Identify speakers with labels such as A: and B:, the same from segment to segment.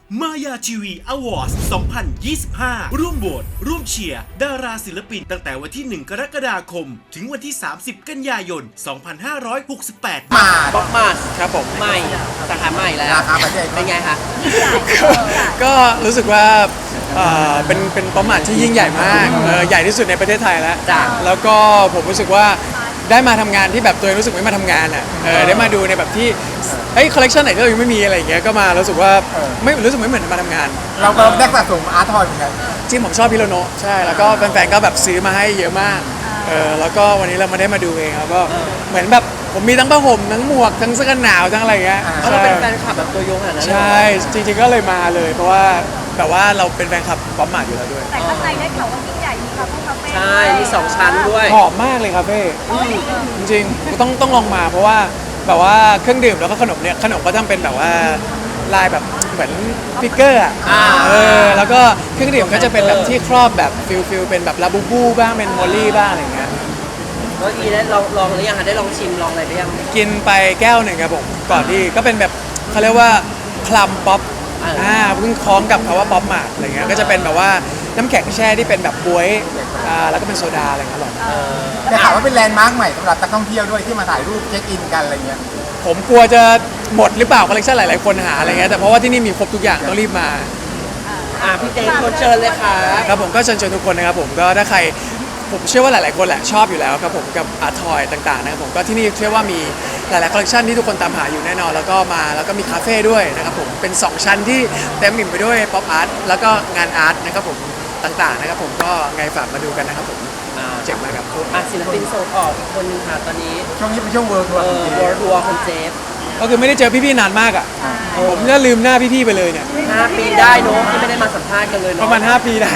A: มายาทีวีอวอร์ด2025 ร่วมโหวตร่วมเชียร์ดาราศิลปินตั้งแต่วันที่ 1 กรกฎาคม ถึงวันที่ 30 กันยายน 2568
B: มา
C: บ๊อบมาส
B: ครับผม
C: ใหม่สาขาใหม่แล้ว
B: ราคาประเทศ
C: เป็นไงคะ
D: ก็รู้สึกว่าเป็นประมาทที่ยิ่งใหญ่มากใหญ่ที่สุดในประเทศไทยแล้ว
C: จ้ะ
D: แล้วก็ผมรู้สึกว่าได้มาทำงานที่แบบตัวเองรู้สึกไม่มาทำงานอ่ะได้มาดูในแบบที่เฮ้ยคอลเลคชันไหนที่เรายังไม่มีอะไรอย่างเงี้ยก็มารู้สึกว่าไม่รู้สึกไม่เหมือนมาทำงาน
B: เราก็ได้สะสมอาร์ตทอยเหมือนกัน
D: จริงผมชอบพิโรโนะใช่แล้วก็แฟนๆก็แบบซื้อมาให้เยอะมากแล้วก็วันนี้เรามาได้มาดูเองแล้วก็เหมือนแบบผมมีทั้งผ้าห่มทั้งหมวกทั้งเสื้อกันหนาวทั้งอะไรอย่างเงี้ย
C: เพราะเราเป็นแฟนคลับแบบตัวยงขนาดนั้นเลยเหรอ
D: ใช่จริงๆก็เลยมาเลย เพราะว่าแบบว่าเราเป็นแฟนคลับป๊อปมาร์ทอยู่แล้วด้วย
E: แต่ข้างในได้ข่าวว่ายิ่งใหญ่มีคาเฟ่
C: ใช่มี2ชั้นด้วย
D: หอมมากเลยครับเพ่จริงๆต้องลองมาเพราะว่าแบบว่าเครื่องดื่มแล้วก็ขนมเนี่ยขนมก็ทำเป็นแบบว่าลายแบบเหมือนฟิกเกอร์อ่ะแล้วก็เครื่องดื่มก็จะเป็นแบบที่ครอบแบบฟิลเป็นแบบลาบูบูบ้างเป็นมอลลี่บ้างอะไรอย่างเงี้ย
C: เมื่อกี้ได้ลองหรือยังคะได้ลองชิมลองอะไรหรือยัง
D: กินไปแก้วหนึ่งครับผมก่อนที่ก็เป็นแบบเขาเรียกว่าคลัมป๊อปเพิ่งคล้องกับคำว่าป๊อปมาร์ทอะไรเงี้ยก็จะเป็นแบบว่าน้ำแข็งแช่ที่เป็นแบบบ๊วยแล้วก็เป็นโซดาอะไรเงี้ยอร่อย
B: ได้ข่าวว่าเป็นแลนด์มาร์คใหม่สำหรับนักท่องเที่ยวด้วยที่มาถ่ายรูปเช็คอินกันอะไรเงี้ย
D: ผมกลัวจะหมดหรือเปล่าคอลเลคชันหลายๆคนหาอะไรเงี้ยแต่เพราะว่าที่นี่มีครบทุกอย่างต้องรีบมา
C: พี่เจคนเชิญเลยค่ะ
D: ครับผมก็เชิญชวนทุกคนนะครับผมก็ถ้าใครผมเชื่อว่าหลายๆคนแหละชอบอยู่แล้วครับผมกับอาร์ทอยต่างๆนะครับผมก็ที่นี่เชื่อว่ามีหลายๆคอลเลคชันที่ทุกคนตามหาอยู่แน่นอนแล้วก็มีคาเฟ่ด้วยนะครับผมเป็น2ชั้นที่เต็มอิ่มไปด้วยป๊อปอาร์ตแล้วก็งานอาร์ตนะครับผมต่างๆนะครับผมก็ไงฝากมาดูกันนะครับผมเจ๋งมากครับ
C: ศิลปินส่งออกอีกคนนึงค่ะตอนนี้
B: ช่วงนี้เป็นช่วงเวิร์ทัวร์จริง
C: วอร์ทัวร์คุณเจฟ
D: ก็คือไม่ได้เจอพี่ๆนานมากอ่ะผมจะลืมหน้าพี่ๆไปเลยเนี่ย
C: 5 ปีได้เนอะที่ไม่ได้มาสัมภาษณ์กันเลย
D: ป
C: เน
D: ระ
C: อะ
D: มาณ5 ปีได้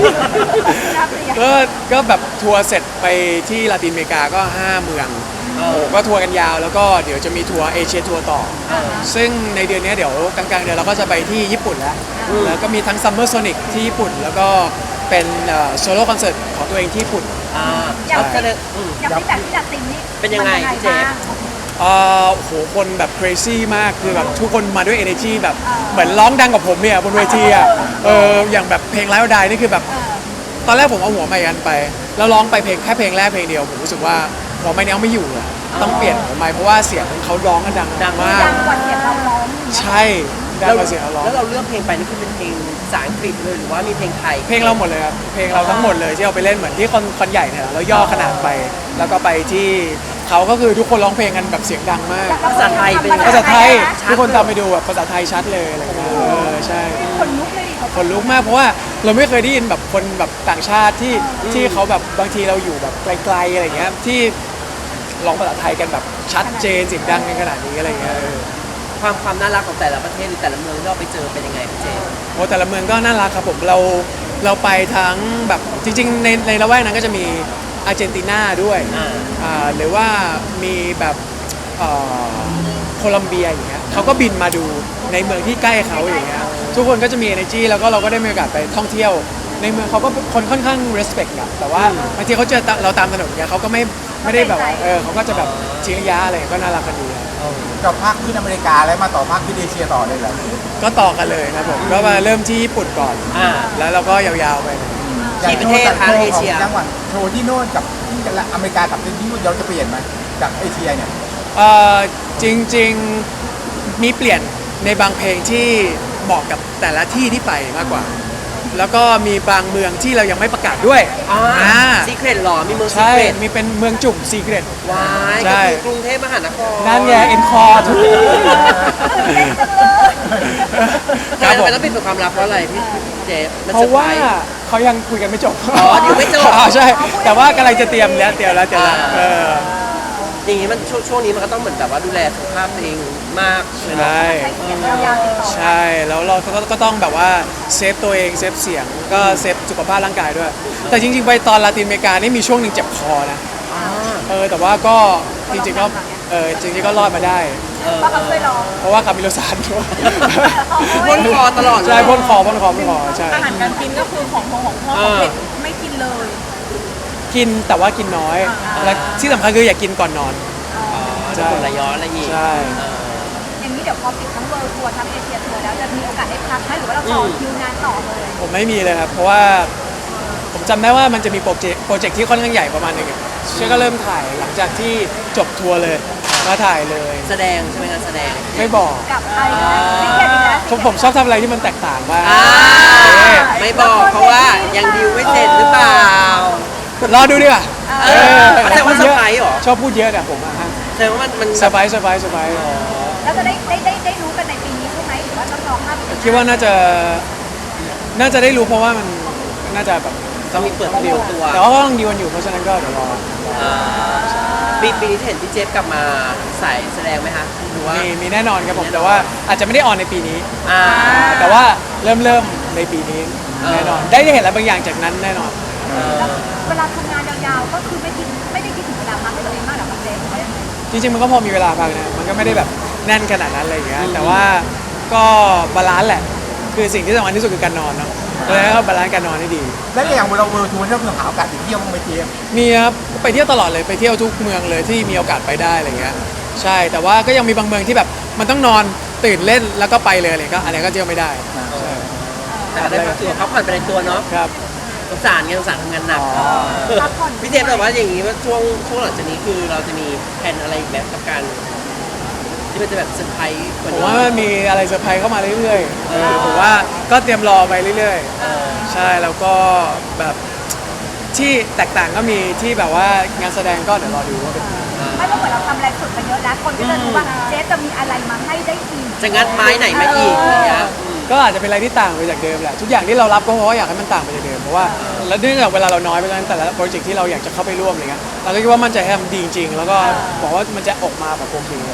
D: ก็แบบทัวร์เสร็จไปที่ลาตินอเมริกาก็ 5 เมืองโอ้ก็ทัวร์กันยาวแล้วก็เดี๋ยวจะมีทัวร์เอเชียทัวร์ต่อซึ่งในเดือนนี้เดี๋ยวกลางๆเดือนเราก็จะไปที่ญี่ปุ่นแล้วก็มีทั้งซัมเมอร์โซนิกที่ญี่ปุ่นแล้วก็เป็นโซโล่คอนเสิร์ตของตัวเองที่ญี่ปุ่น
E: อย่าง
C: ก็เลย
E: ที่แบบที่จัดติมนี่
C: เป็นยังไงพี่เจฟ
D: โอ้โหคนแบบ crazy มากคือแบบทุกคนมาด้วย energy แบบเหมือนร้องดังกับผมเนี่ยบนเวทีอ่ะอย่างแบบเพลงไลฟ์ดายนี่คือแบบตอนแรกผมเอาหัวไมค์อันไปแล้วร้องไปแค่เพลงแรกเพลงเดียวผมรู้สึกว่าหัวไมค์นี้เอาไม่อยู่อะต้องเปลี่ยนหัวไมค์เพราะว่าเสียงเขาร้องกันดังมาก
E: ดังกว่าเสียงเราร้อง
D: ใช่ดังกว่าเสียงเขาร้อง
C: แล้วเราเลือกเพลงไปนี่คือเป็นเพลงภาษาอังกฤษเลยหรือว่ามีเพลงไทย
D: เพลงเราหมดเลยครับเพลงเราทั้งหมดเลยที่เอาไปเล่นเหมือนที่คอนใหญ่เนี่ยเราย่อขนาดไปแล้วก็ไปที่เขาก็คือทุกคนร้องเพลงกันแบบเสียงดังมาก
C: ภาษาไทยเป็นยังไง
D: ภาษาไทยทุกคนตามไปดูแบบภาษาไทยชัดเลยอะไรเงี้ยใช่
E: คนลุกเลยดิ
D: คนลุกมากเพราะว่าเราไม่เคยได้ยินแบบคนแบบต่างชาติที่เขาแบบบางทีเราอยู่แบบไกลๆอะไรเงี้ยที่ร้องภาษาไทยกันแบบชัดเจนเสียงดังกันขนาดนี้อะไรเงี้ย
C: ความน่ารักของแต่ละประเทศหรือแต่ละเมืองที่เราไปเจอเป็นยังไงพี่เจฟ
D: โอ้แต่ละเมืองก็น่ารักครับผมเราไปทั้งแบบจริงๆในละแวกนั้นก็จะมีอาร์เจนตินาด้วยหรือว่ามีแบบโคลัมเบียอย่างเงี้ยเขาก็บินมาดูในเมืองที่ใกล้เขาอย่างเงี้ยทุกคนก็จะมี energy แล้วก็เราก็ได้มีโอกาสไปท่องเที่ยวในเมืองเขาก็คนค่อนข้าง respect อะแต่ว่าบางทีเขาเจอเราตามถนนเนี่ยเขาก็ไม่ได้แบบว่าเขาก็จะแบบชี้ระยะอะไรก็น่ารักกันดีครับ
B: กับภาคขึ้นอเมริกาแล้วมาต่อภาคขึ้นเอเชียต่อเลยเหรอ
D: ก็ต่อกันเลยครับผมก็มาเริ่มที่ญี่ปุ่นก่อนแล้วเราก็ยาวๆไป
C: กี่ประเทศคะเอเชีย
B: จังหวัดโชว์ที่โน่นกับที่อเมริกากับที่นู่นเราจะเปลี่ยนไหมจากเอเชียเนี่ย
D: จริงๆมีเปลี่ยนในบางเพลงที่เหมาะกับแต่ละที่ที่ไปมากกว่า แล้วก็มีบางเมืองที่เรายังไม่ประกาศด้วย
C: ซีเครตหรอมีเมืองซี
D: ใช่
C: เครต
D: มีเป็นเมืองจุ่มซีเกรต
C: วาย
D: ใช่
C: ก็คือกรุงเทพมหานคร
D: นั่นไงเอ็นคอร์ทุก
C: ทำไมต้องปิดเป็นความลับเพราะอะไรพี่เจฟมัน
D: เพราะว่า
C: ซอไพส์
D: เขายังคุยกันไม่จบ
C: อ๋อยังไม่จบ
D: ใช่ แต่ว่ากำลังจะเตรียมแล้ว
C: อย่างนี้มันช่วงนี้มันก็ต้องเหมือนแบบว่าดูแลสุขภาพตัวเองมากเลยเนาะ
D: ใช่
E: ใช้เสียงยาวๆติดต่อ
D: ใช่แล้วเราก็ต้องแบบว่าเซฟตัวเองเซฟเสียงก็เซฟสุขภาพร่างกายด้วย แต่จริงๆไปตอนลาตินอเมริกานี่มีช่วงหนึ่งเจ็บคอนะแต่ว่าก็จริงๆก็รอดมาได้
E: เพราะเขาเคยร้อง
D: เพราะว่าคามิโลซานด้วย
C: พ่นคอตลอดเลย
D: ใช่พ่นคอใช่
E: อาหารการกินก็คือของพ่อของเผ็ดไม่กินเลย
D: กินแต่ว่ากินน้อยและที่สำคัญคืออย่ากินก่อนนอน
C: จะกดไหลย้อนอะไรอีก
D: ใช่
E: ออย่างนี้เดี๋ยวพอปิดทั้งเวิลด์ทัวร์ทั้งเอเชียทัวร์แล้วจะมีโอกาสได้พักไหมหรือว่าเราต่อคิวงานต่อเลย
D: ผมไม่มีเลยครับเพราะว่าผมจำได้ว่ามันจะมีโปรเจกต์ที่ค่อนข้างใหญ่ประมาณหนึงเชื่อก็เริ่มถ่ายหลังจากที่จบทัวร์เลยมาถ่ายเลย
C: แสดงใช่ไหมงานแสดง
D: ไม่บอก
E: กับใครนะซีเรียสอีกแล้ว
D: ผมชอบทำอะไรที่มันแตกต่างบ้าง
C: ไม่บอกเพราะว่ายังดีลไม่เสร็จหรือเปล่าร
D: อดูดีกว่า
C: แสดงว่าเซอร์ไพรส์เหรอ
D: ชอบพูดเยอะเนี่ยผมอะฮะ
C: แสดงว่ามัน
D: เซอร์ไพรส์
E: แล้วจะได้รู้กันในปีนี้ใช่ไหมหรือว่าต้องรอข้ามปี
D: คิดว่าน่าจะได้รู้เพราะว่ามันน่าจะแบบ
C: ต้องมีเปิดตัว
D: แต่ว่าก็ต้องดีวันอยู่เพราะฉะนั้นก็เดี๋ยวรอ
C: ปีนี้เห็นพี่เจฟกลับมาใส่แสดงไหมคะหรือว่า
D: มีแน่นอนครับผมแต่ว่าอาจจะไม่ได้ออนในปีนี้
C: อ่า
D: แต่ว่าเริ่มในปีนี้แน่นอนได้เห็นอะไรบางอย่างจากนั้นแน่นอน
E: แล้วเวลาทำงานยาวๆก็คือไม่ได้คิดถึงเวลาพักให้ตัวเองมากหรอกครับเจมส์หรือว่ายังไง
D: จริงๆมันก็พอมีเวลาพักนะมันก็ไม่ได้แบบแน่นขนาดนั้นอะไรอย่างเงี้ยแต่ว่าก็บาลานซ์แหละคือสิ่งที่สำคัญที่สุดคือการนอนเนาะแล้วก็บาลานซ์การนอนให้ดี
B: แล้วอย่างเราเวิร์ทัวร์เราคือหาโอกาสไปเที่ยวบ้างไหมเจมส์
D: มีครับไปเที่ยวตลอดเลยไปเที่ยวทุกเมืองเลยที่มีโอกาสไปได้อะไรเงี้ยใช่แต่ว่าก็ยังมีบางเมืองที่แบบมันต้องนอนตื่นเล่นแล้วก็ไปเลยอะไรก็อะไรก็เที่ยวไม่ได้ใช่
C: แต่ก็ได้พักผ่อนไปในตัวเนาะ
D: ครับ
C: สงสารไงสงสารทำงานหนัก
E: พักผ่อน
C: พี่เจฟบอกว่าอย่างนี้ว่าช่วงหลังจากนี้คือเราจะมีแผนอะไรอีกแบบกับการที่มันจะแบบเซอร์ไพรส์กว่า
D: ผม
C: นี้
D: ว่ามันมีอะไรเซอร์ไพรส์เข้ามาเรื่อยๆผมว่าก็เตรียมรอไปเรื่อยๆใช่แล้วก็แบบที่แตกต่างก็มีที่แบบว่างานแสดงก็เดี๋ยวรอดูว่าเป็นยังไง
E: ไม่ว่าเหมือนเราทำอะไรสุดไปเยอะแล้วคนก็จะรู้ว่าเจฟจะมีอะไรมาให้ได้อีก
C: จะงัดไม้ไหนมาอีกอะไรเงี้ย
D: ก็อาจจะเป็นอะไรที่ต่างไปจากเดิมแหละทุกอย่างที่เรารับก็เพราะว่าอยากให้มันต่างไปจากเดิมเพราะว่าแล้วเนื่องจากเวลาเราน้อยเพราะฉะนั้นแต่ละโปรเจกต์ที่เราอยากจะเข้าไปร่วมอะไรเงี้ยเราก็คิดว่ามั่นใจให้มันดีจริงๆแล้วก็บอกว่ามันจะออกมาแบบโอเคเลย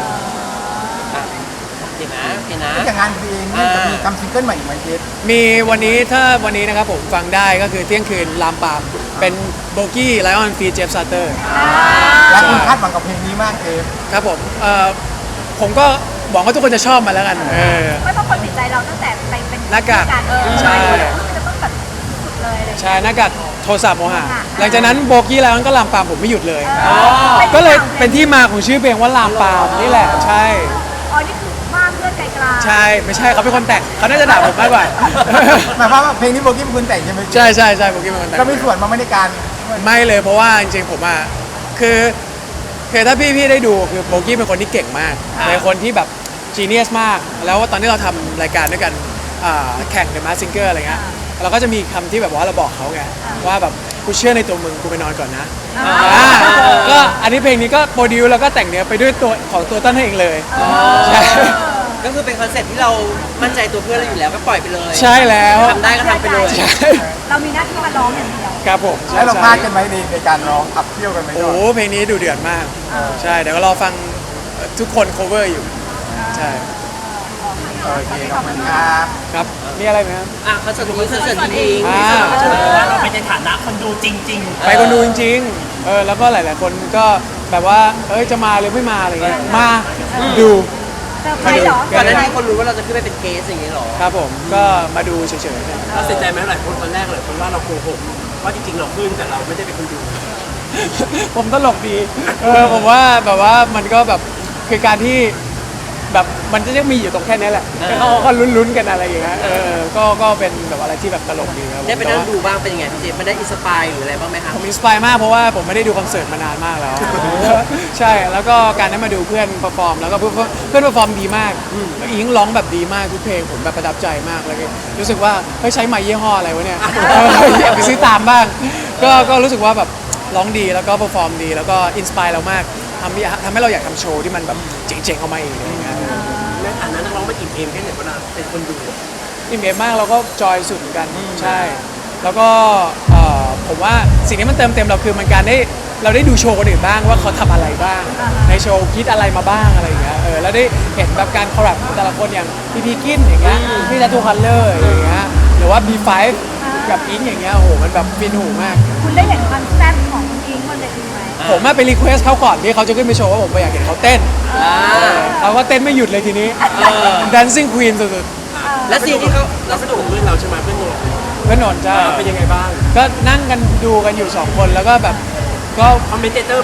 C: เห็นนะเห็นนะ
B: แล้วอย่างงานเพลงเนี่ยจะมีทำซิงเกิลใหม่อีกไหมเจมส์
D: มีวันนี้ถ้าวันนี้นะครับผมฟังได้ก็คือเที่ยงคืนลามปามเป็นโบกี้ไลออนฟีเจฟซัตเตอร์
B: และคุณคาดหวังกับเพลงนี้มากเจมส์
D: ครับผมก็หวังว่าทุกคนจะชอบมันแล้วกัน
E: ไม่เพราะคนติดใจเราตั้งแต่ไปเป็น
D: หน้ากาก
E: ใช่
D: ใช่
E: จะต้องแบบสุดเลยอะไรอย่างเงี้ย
D: ใช่หน้ากากโทรศัพท์โมหะหลังจากนั้นโบกี้ไลออนก็ลามปามผมไม่หยุดเลย
E: อ๋อ
D: ก็เลยเป็นที่มาของชื่อเพลงว่าลามปามนี่แหละใช่
E: อ๋อนี่คือบ้านเพื่อนไกลๆ
D: ใช่ไม่ใช่เขาเป็นคนแต่งเขาน่าจะด่าผมมากกว่า
B: หมายความว่าเพลงนี้โบกี้เป็นคนแต่งใช่ไหม
D: ใช่ใช่ใช่โบกี้เป็นคนแต่ง
B: ก็มีส่วนมาไม่ในการ
D: ไม่เลยเพราะว่าจริงๆผมอ่ะคือถ้าพี่ได้ดูคือโบกี้เป็นคนที่เก่งมากเป็นคนที่แบบจีเนียสมากแล้วตอนที่เราทำรายการด้วยกันแข่ง The Masked Singer อะไรเงี้ยเราก็จะมีคำที่แบบว่าเราบอกเขาไงว่าแบบกูเชื่อในตัวมึงกูไปนอนก่อนนะก็อันนี้เพลงนี้ก็โปรดิวแล้วก็แต่งเนื้อไปด้วยตัวของตัวต้นเองเลยใช่
C: ก็คือเป็นคอนเซ็ปต์ที่เรามั่นใจตัวเพื่อนเราอยู่แล้วก็ปล่อยไปเลย
D: ใช่แล้ว
C: ทำได้ก็ทำไปเลย
D: ใช่
E: เรามีหน้าที่มาร้องอย่างเดียว
D: ครับผมใช่
B: แล้วเรา
D: ใช่
B: พลาดกันไหมในการร้องขับเที่ยวกันไหม
D: โอ้โหเพลงนี้ดูเดือดมากใช่เดี๋ยวก็รอฟังทุกคน cover อยู่ใช่
B: โอเคขอบคุณครับ
D: ครับมีอะไรไหมครับ
C: อ่ะคอนเสิร์ตนี้คอนเสิร์ตจริง
D: อ่า
F: ว่าเราเป็นในฐานะคนดูจริง
D: ไปคนดูจริงๆแล้วก็หลายๆคนก็แบบว่าจะมาหรือไม่มาอะไรเงี้ยมาดู
E: เซอร์ไพรส์เหรอ
C: ก่อนหน้านี้คนรู้ว่าเราจะขึ้นไปเป็นเกสอย่างนี้หรอ
D: ครับผมก็มาดูเฉยๆกัน
F: ๆเราเสียใจไหมหลายคนตอนแรกเลยคนว่าเราโกหกว่าจริงๆเราขึ้นแต่เราไม่ได้เป็นคนดู
D: ผมตลกดีผมว่าแบบว่ามันก็แบบคือการที่แบบมันจะยังมีอยู่ตรงแค่นี้แหละเขาก็ลุ้นๆกันอะไรอย่างเงี้ยก็เป็นแบบอะไรที่แบบตลกดีครับ
C: ได้ไปนั่งดูบ้างเป็นยังไงพี่เจมันได้อินสปายหรืออะไรบ้างไหมคะ
D: ผมอินสปายมากเพราะว่าผมไม่ได้ดูคอนเสิร์ตมานานมากแล้ว ใช่แล้วก็การได้มาดูเพื่อนเปอร์ฟอร์มแล้วก็เพื่อนเปอร์ฟอร์มดีมากแล้วอิงร้องแบบดีมากทุกเพลงผมแบบประทับใจมากแล้วก็รู้สึกว่าเฮ้ยใช้ไมค์ยี่ห้ออะไรวะเนี่ยอยากไปซื้อตามบ้างก็รู้สึกว่าแบบร้องดีแล้วก็เปอร์ฟอร์มดีแล้วก็อินสปายเรามากทำให้เราอยากทำโชว์ที่มันแบบเจ๋งๆออกมาเองอะไรอย่างเงี้ย
F: ในฐานะนักร้องมันอิ่มเอมแค่ไหนเวลาเป็นคนดู
D: อิ่มเอมมากเราก็จอยสุดเหมือนกันใช่ แล้วก็ผมว่าสิ่งที่มันเติมเต็มเราคือมันการได้เราได้ดูโชว์คนอื่นบ้างว่าเขาทำอะไรบ้าง ในโชว์คิดอะไรมาบ้างอะไรอย่างเงี้ยแล้วได้เห็นแบบการคอลแลบของแต่ละคนอย่างพี่พีกินอย่างเงี้ยพี่ทัตทูคัลเลอร์อย่างเงี้ยหรือว่า B5 กับอิงอย่างเงี้ยโอ้โหมันแบบฟินหูมาก
E: คุณได้เห็นความแซ่บของอิงบนเวทีไหม
D: ผมไปรีเควสเขาก่อนที่เขาจะขึ้นไปโชว์ว่าผมอยากเห็นเขาเต้นเขาก็เต้นไม่หยุดเลยทีนี้ Dancing Queen สุด
C: และซีนที่เขา
F: เราสนุกกับเพื่อนเราใช่ไหมเพื่อนโน
D: ๆเพื่อนนนท์จ้า
F: เป็นยังไงบ้าง
D: ก็นั่งกันดูกันอยู่2คนแล้วก็แบบก็
F: คอมเมนเตอร์มั้ย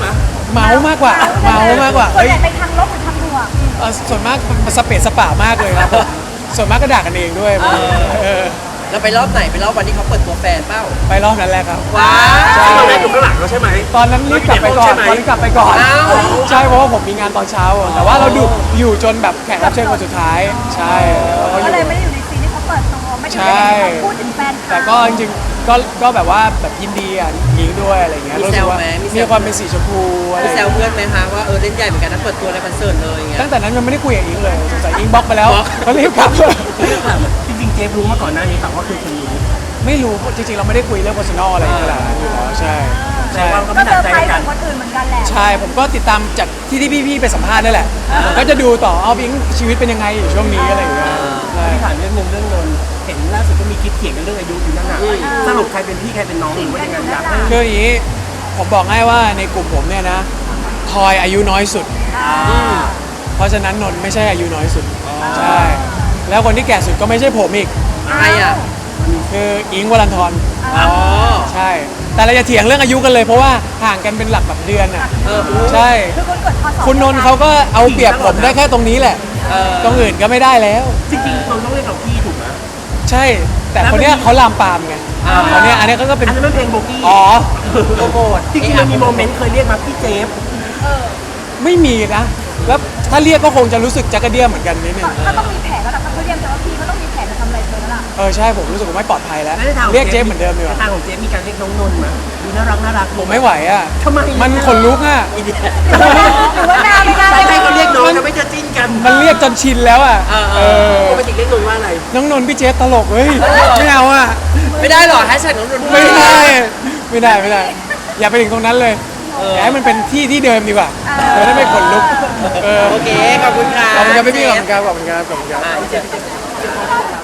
D: เมามากกว่าเมามากกว่า
E: ส่วน
D: เฮ้ย
E: ใหญ่ไปทางลบหรือทางบวก
D: ส่วนมากมันสเปซสปามากเลยครับผมส่วนมากก็ด่ากันเองด้วยเออ
C: เราไปรอบไหนไปรอบวันที่เขาเปิดตัวแฟนเป้า
D: ไปรอบนั้นแหละครับ
C: ว้า
D: ใช่
F: ตอนแรกอยู่ข้างหลังเราใช่ไหม
D: ตอนนั้นรีบกลับไปก่อน
F: ใช่ไหม
D: ตอนนี้กลับไปก่อน
C: อ้าว
D: ใช่เพราะว่าผมมีงานตอนเช้า แต่ว่าเราดูอยู่จนแบบแขกรับเชิญคนสุดท้าย ใช่แล้วก็อ
E: ก็
D: ยู่
E: เลยไม่ได้อยู่ในซีนที่เขาเปิดตัวไม่ได้
D: ใช่
E: อยู่ในที่เขาพูดถึงแฟนเขา
D: แต่ก็จริงๆก็แบบว่าแบบยินดีอ่ะหญิงด้วยอะไรเงี้ยรู้สึกว่ามีความเป็นสีชมพูอะไร
C: มีแซวเพื่อนไหมคะว่าเล่นใหญ่เหมือนกันนะเปิดตัวในคอนเสิร์ตเลยอย่างเงี้ย
D: ตั้งแต่นั้นยังไม่ได้คุยกับอิงเลยสงสัยอิงบล็อกไปแล้วเขารีบกลับ
F: จริงๆเจฟรู้มาก่อนหน้านี้แต่ว่าคือคนรู้
D: ไม่รู้จริงๆเราไม่ได้คุยเรื่อง personal อะไรขนาดนั้นอยู่แล้วใช่
F: แต่ว่าก็
E: ก็
F: ไม่ห
E: เจ
F: นัก
E: อ
F: ใจ
E: ไป
F: กัน
E: กับคนอื่นเหมือนกันแหละ
D: ใช่ผมก็ติดตามจากที่พี่ๆไปสัมภาษณ์นั่นแหละผมก็จะดูต่อเอาพิงชีวิตเป็นยังไงอยู่ช่วงนี้อะไรอย่างเงี้ยใช่
F: ที่ถามเรื่องหนึงเรื่องนนท์เห็นล่าสุดก็มีคลิปเถียงกันเรื่องอายุอยู่นั่นน่ะสรุปใครเป็นพี่ใครเป็นน้องหรือว่ายังไงอยากให้
D: คืออย่างนี้ผมบอกให้ว่าในกลุ่มผมเนี่ยนะทอยอายุน้อยสุด เพราะฉะนั้นนนท์ไม่ใช่อายุน้อยสุดใช่แล้วคนที่แก่สุดก็ไม่ใช่ผมอีก
C: ใครอ่ะ
D: คืออิงค์วรันทร
C: อ๋อ
D: ใช่ แต่เราจะเถียงเรื่องอายุกันเลยเพราะว่าห่างกันเป็นหลักแบบเดือนอ่ะ ใช่
E: คือคนเกิดพศ
D: คุณนนท์เขาก็เอาเปรียบผมได้แค่ตรงนี้แหละ ตรงอื่นก็ไม่ได้แล้ว
F: จริงๆเราต้องเรียกเราพี่ถูกไหม
D: ใช่ แต่คนเนี้ยเขาลามปามไงคนเนี้ยอันเนี้ยก็เป็น
F: อันนั้นมันเพลงโบกี้
D: อ๋อ
C: โปรโมท
F: จริงๆมันมีโมเมนต์เคยเรียกมาพี่เจฟ
D: ไม่มีนะ แล้วถ้าเรียกก็คงจะรู้สึกจักกระเดี้ยเหมือนกันนิดนึง
E: ถ้าต้องมีแผนแล้วล่ะถ้าเขาเรียกแต่ว่าพี่ก็ต้องมีแผนจะทำอะไรเธอแล้วล่ะ
D: ใช่ผมรู้สึกว่าไม่ปลอดภัยแล้ว
F: แล้วในทางของ
D: เรียกเจฟเหมือนเดิมดีกว่า
F: ในทางของเจฟมีการเรียกน้องนนท์มาดูน่ารัก
D: ผมไม่ไหวอ่ะ
F: ทำไม
D: มันขนลุกอ่ะ
E: หรือว่านาไม่น่า
F: ใครๆก็เรียกน้องจะไม่จะจิ้นกัน
D: มันเรียกจนชินแล้วอ่ะเออ
F: ปกติเรียกนนท์ว่าอะไร
D: น้องนนท์พี่เจฟตลกเฮ้ยไม่เอาอ่ะ
C: ไม่ได้หรอแฮชแท็กน้องนนท์
D: ไม่ได้ อย่าไปถึงตรงนั้นเลยอย่าให้มันเป็นที่ที่เดิมดีกว่าจะได้ไม่ขนลุกเออ
C: โอเคขอบคุณค่ะ
D: ขอบคุณครับพี่ๆขอบคุณครับขอบคุณครับขอบคุณครับ
C: อ่ะพี่เจฟ